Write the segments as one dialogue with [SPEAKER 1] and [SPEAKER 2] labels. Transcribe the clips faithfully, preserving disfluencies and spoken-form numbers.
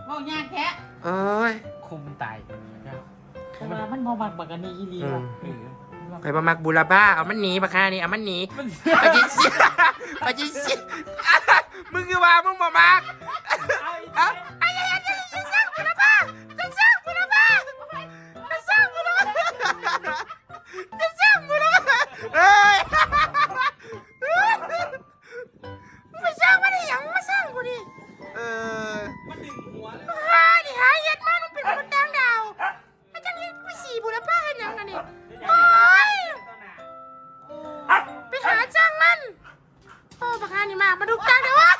[SPEAKER 1] ว่ายากแท้
[SPEAKER 2] โอ้ย
[SPEAKER 3] คุมตาย
[SPEAKER 1] เพราะว่ามันมองบักบักกันนี่อีลีว่ะ
[SPEAKER 2] ไปบะมักบุรบ้าเอามันหนีปะค่ะนี่เอามันหนีไปจิเสียไปจิเสียมึงคือว่ามึงบะมักเอาไอ้ยัยยัยจะสร้างบุรบ้าจะสร้างบุรบ้าจะสร้างบุรบ้าจะสร้างบุรบ้าเฮ้ยไปสร้างมาดิยังมาสร้างกูดิเออ
[SPEAKER 3] มันดึงหัวเลย
[SPEAKER 2] หาดิหาเย็ดมากมันเป็นคนต่างดาวอาจารย์นี่ไปสี่บุรบ้าเห็นยังกันนี่โอ้ยไปหาจ้างมันโอ้ปากกานี่มามาดูจ้างเดี๋ยววะ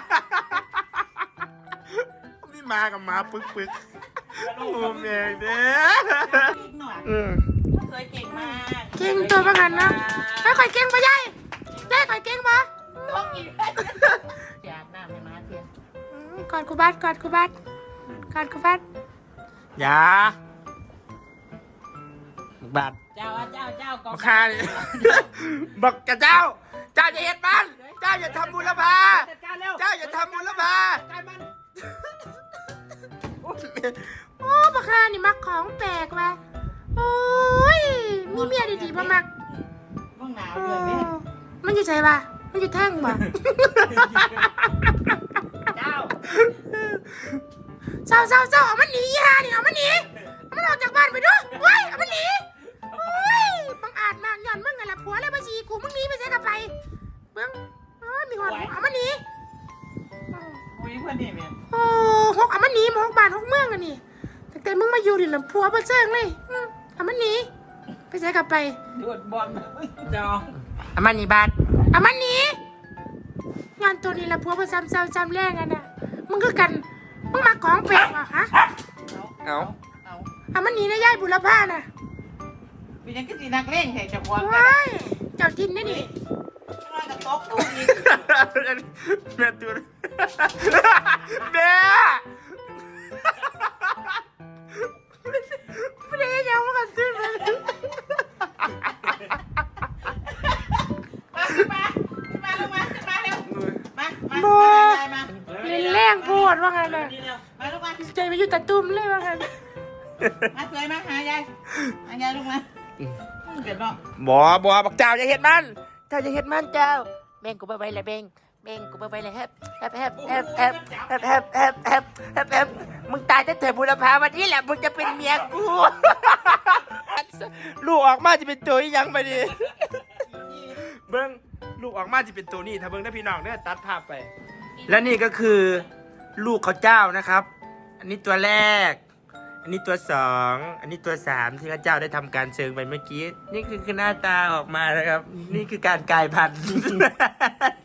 [SPEAKER 2] นี่มากับมาปึกปึกโอ้แม่เด้อ
[SPEAKER 1] เก่งหน่อย
[SPEAKER 2] อืม
[SPEAKER 1] สวยเก่งมาก
[SPEAKER 2] เก่งตัวประกันนะแล้วข่อยเก่งปะยายยายข่อยเก่งปะ
[SPEAKER 1] ต้องอีกอยากน้ำให้มาเทียน
[SPEAKER 2] กอดกูบัดกอดกูบัดกอดกูบัดอย่าบัด
[SPEAKER 1] เจ้าเจ้าเจ้ากอง
[SPEAKER 2] บักคาดิบักกะเจ้า เจ้าจะเห็นมันเจ้าอย่าทำบุรพา
[SPEAKER 1] จัดการเร็ว
[SPEAKER 2] เจ้าอย่าทำบุรพา
[SPEAKER 1] การมัน
[SPEAKER 2] โอ้บักคานี่มักของแปลกว่ะโอ้ยมีเมียดีๆมามัก
[SPEAKER 1] ว่างหนาวเดือนนี้
[SPEAKER 2] มันอยู่ใจป่ะมันอยู่แท่งป่ะ
[SPEAKER 1] เจ้า
[SPEAKER 2] เศร้าเศร้าเศร้าเอามันหนีอีห่านี่เอามันหนีเอามันออกจากบ้านไปด้วยเว้ยเอามันหนีโอ้ยบังอาจมากย้อนมึงไงล่ะผัวเลยมาฉีกูมึงหนีไปเสียกับไปเบิ้งเอ้ยมีหัวเอามันหนี
[SPEAKER 1] อุ้ยเพื่อนนี่แม่
[SPEAKER 2] โอ้หกเอามันหนีมาหกบ้านหกเมืองกันนี่แต่แต่มึงมาอยู่ดิลำผัวมาเจิงเลยอืมเอามันหนีไปเสียกับไป
[SPEAKER 1] ดวดบอลจอ
[SPEAKER 2] เอามันหนีบ้านเอามันหนีงานตัวนี้ละผัวมาซ้ำซ้ำซ้ำแรงกันน่ะมึงคือกันมึงมาของแปลกว่ะฮะ
[SPEAKER 1] เอาเอา
[SPEAKER 2] เอามันหนีนะยายบุรพาน่ะ
[SPEAKER 1] เป็นยังก็สีนักเล่นแข่งจับวอนกัน
[SPEAKER 2] ว้ายเจ้าทินนี่นี่
[SPEAKER 1] น้อยกับโต๊ะตุ้อีก
[SPEAKER 2] แม่ตัวแม่ไม่ได้ยังมากันตื้นเลย
[SPEAKER 1] มาขึ้นมาขึ้นมาลงมาขึ้นมาเร็วมามา
[SPEAKER 2] บัว
[SPEAKER 1] มา
[SPEAKER 2] เล่นแรงโพดว่างั้นน่ะ
[SPEAKER 1] มาลูกมา
[SPEAKER 2] ใจไปอยู่ตะตุ่มเลยว่างั้น
[SPEAKER 1] มาสวยมาหายายหายายลูกมาเกิดเนาะ
[SPEAKER 2] บ่บ่บักเจ้าจะเห็ดมันเจ้าจะเห็ดมันเจ้าเบ่งกูไปไว้เลยเบ่งเบ่งกูไปไว้เลยแฮบแฮบแฮบแฮบแฮบแฮบแฮบแฮบแฮบแฮบแฮบมึงตายแต่เถิดบุรพาวันนี้แหละมึงจะเป็นเมียกูลูกออกมาจะเป็นตัวอีหยังไปดิเบิ้งลูกออกมาจะเป็นตัวนี้ถ้าเบิ้งได้พี่น้องเนี่ยตัดภาพไป และนี่ก็คือลูกเขาเจ้านะครับ อันนี้ตัวแรก อันนี้ตัวสองอันนี้ตัวสามที่ข้าเจ้าได้ทำการเชิงไปเมื่อกี้นี่คือคือหน้าตาออกมานะครับ นี่คือการกลายพันธุ์